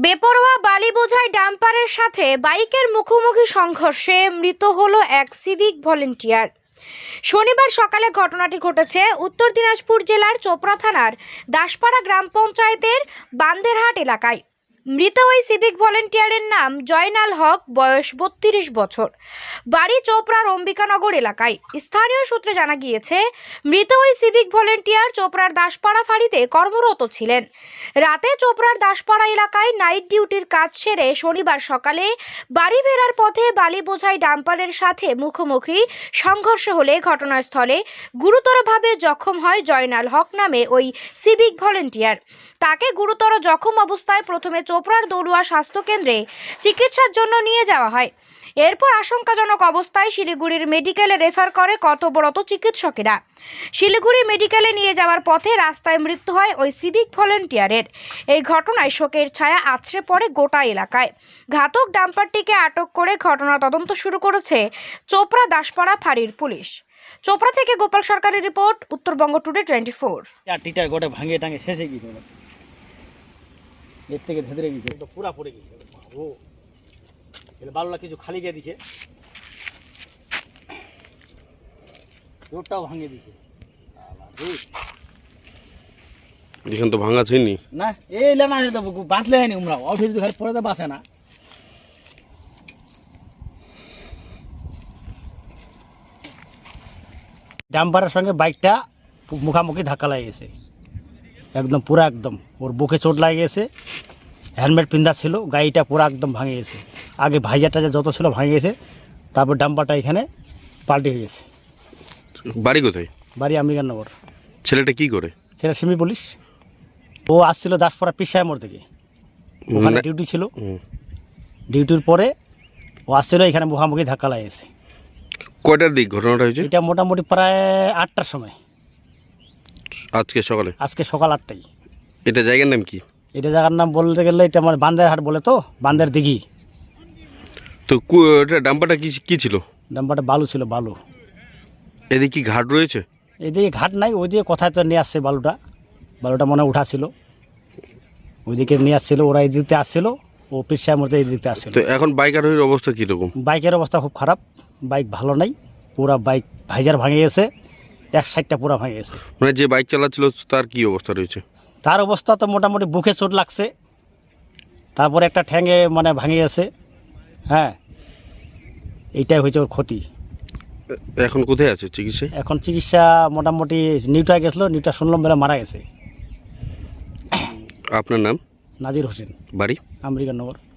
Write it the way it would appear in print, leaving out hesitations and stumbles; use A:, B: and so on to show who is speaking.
A: বেপরোয়া বালি বোঝাই ডাম্পারের সাথে বাইকের মুখোমুখি সংঘর্ষে মৃত হলো এক সিভিক ভলেন্টিয়ার। শনিবার সকালে ঘটনাটি ঘটেছে উত্তর দিনাজপুর জেলার চোপড়া থানার দাসপাড়া গ্রাম পঞ্চায়েতের বান্দেরহাট এলাকায়। মৃত ওই সিভিক ভলেন্টিয়ারের নাম জয়নাল হক, বয়স 32 বছর, বাড়ি চোপড়ার অম্বিকানগর এলাকায়। স্থানীয় সূত্রে জানা গিয়েছে, মৃত ওই সিভিক ভলেন্টিয়ার চোপড়ার দাসপাড়া ফাঁড়িতে কর্মরত ছিলেন। রাতে চোপড়ার দাসপাড়া এলাকায় নাইট ডিউটির কাজ সেরে শনিবার সকালে বাড়ি ফেরার পথে বালি বোঝাই ডাম্পারের সাথে মুখোমুখি সংঘর্ষ হলে ঘটনাস্থলে গুরুতরভাবে জখম হয় জয়নাল হক নামে ওই সিভিক ভলেন্টিয়ার। তাকে গুরুতর জখম অবস্থায় প্রথমে চোপড়ার দৌড়ুয়া স্বাস্থ্যকেন্দ্রে চিকিৎসার জন্য নিয়ে যাওয়া হয়। এরপর আশঙ্কাজনক অবস্থায় শিলিগুড়ির মেডিকেলে রেফার করে কর্তব্যরত চিকিৎসকেরা। শিলিগুড়ি মেডিকেলে নিয়ে যাওয়ার পথে রাস্তায় মৃত্যু হয় ওই সিভিক ভলেন্টিয়ারের। এই ঘটনায় শোকের ছায়া আছড়ে পড়ে গোটা এলাকায়। ঘাতক ডাম্পারটিকে আটক করে ঘটনা তদন্ত শুরু করেছে চোপড়া দাসপাড়া ফাঁড়ির পুলিশ। চোপড়া থেকে গোপাল সরকারের রিপোর্ট, উত্তরবঙ্গ টুডে 24।
B: টিটার গোটে ভাঙিয়ে টাঙে শেষে গেছে, এর থেকে ভেতরে গেছে, তো পুরা পড়ে গেছে। ও বালুলা কিছু খালি গিয়ে দিছে, রোডটাও ভাঙিয়ে দিছে।
C: এখান তো ভাঙা ছিনি
B: না, এই না বাঁচলে হয়নি। উমরা অফিস ঘরে পরে তো বাঁচে না। ডাম্পারের সঙ্গে বাইকটা মুখামুখি ধাক্কা লাগে গেছে, একদম পুরা একদম ওর বুকে চোট লাগে গেছে। হেলমেট পিন্ধা ছিল, গাড়িটা পুরো একদম ভাঙে গেছে। আগে ভাইজারটা যত ছিল ভাঙে গেছে, তারপর ডাম্পারটা এখানে পাল্টে হয়ে গেছে।
C: বাড়ি কোথায়?
B: বাড়ি আম্বিকানগর।
C: ছেলেটা কি করে?
B: ছেলে সিমি পুলিশ। ও আসছিল দাসপাড়া পিসায় মোড় থেকে, ওখানে ডিউটি ছিল। ডিউটির পরে ও আসছিল, এখানে মুখামুখি ধাক্কা লাগেছে।
C: কয়টার দিক ঘটনাটা হয়েছে?
B: এটা মোটামুটি প্রায় 8টার সময়,
C: আজকে সকালে।
B: আজকে সকাল 8টায়।
C: এটা জায়গার নাম কি?
B: এটা জায়গার নাম বলতে গেলে এটা মানে বান্দেরহাট বলে, তো বান্দের দিঘি।
C: তো এটা ডাম্পারটা কি ছিল?
B: ডাম্পারটা বালু ছিল, বালু।
C: এদিকে কি ঘাট রয়েছে?
B: এদিকে ঘাট নাই, ওইদিকে কোথায় তো নিয়ে আসছে বালুটা মনে উঠা ছিল, ওইদিকে নিয়ে আসছিল। ওরা এই দিকতে আসছিল, ও পিকসার মধ্যে এই দিকতে আসছিল।
C: তো এখন বাইকের অবস্থা কীরকম?
B: বাইকের অবস্থা খুব খারাপ, বাইক ভালো নাই, পুরা বাইক ভাইজার ভাঙে গেছে, এক সাইডটা পুরা ভাঙে গেছে।
C: মানে যে বাইক চালাচ্ছিল তার কি অবস্থা রয়েছে?
B: তার অবস্থা তো মোটামুটি বুকে চোট লাগছে, তারপরে একটা ঠ্যাঙে মানে ভাঙে গেছে। হ্যাঁ, এইটাই হয়েছে ওর ক্ষতি।
C: এখন কোথায় আছে চিকিৎসা?
B: এখন চিকিৎসা মোটামুটি নিউটায় গেছিলো, নিউটা শুনলাম বেলা মারা গেছে।
C: আপনার নাম?
B: নাজির হোসেন,
C: বাড়ি
B: আম্বিকানগর।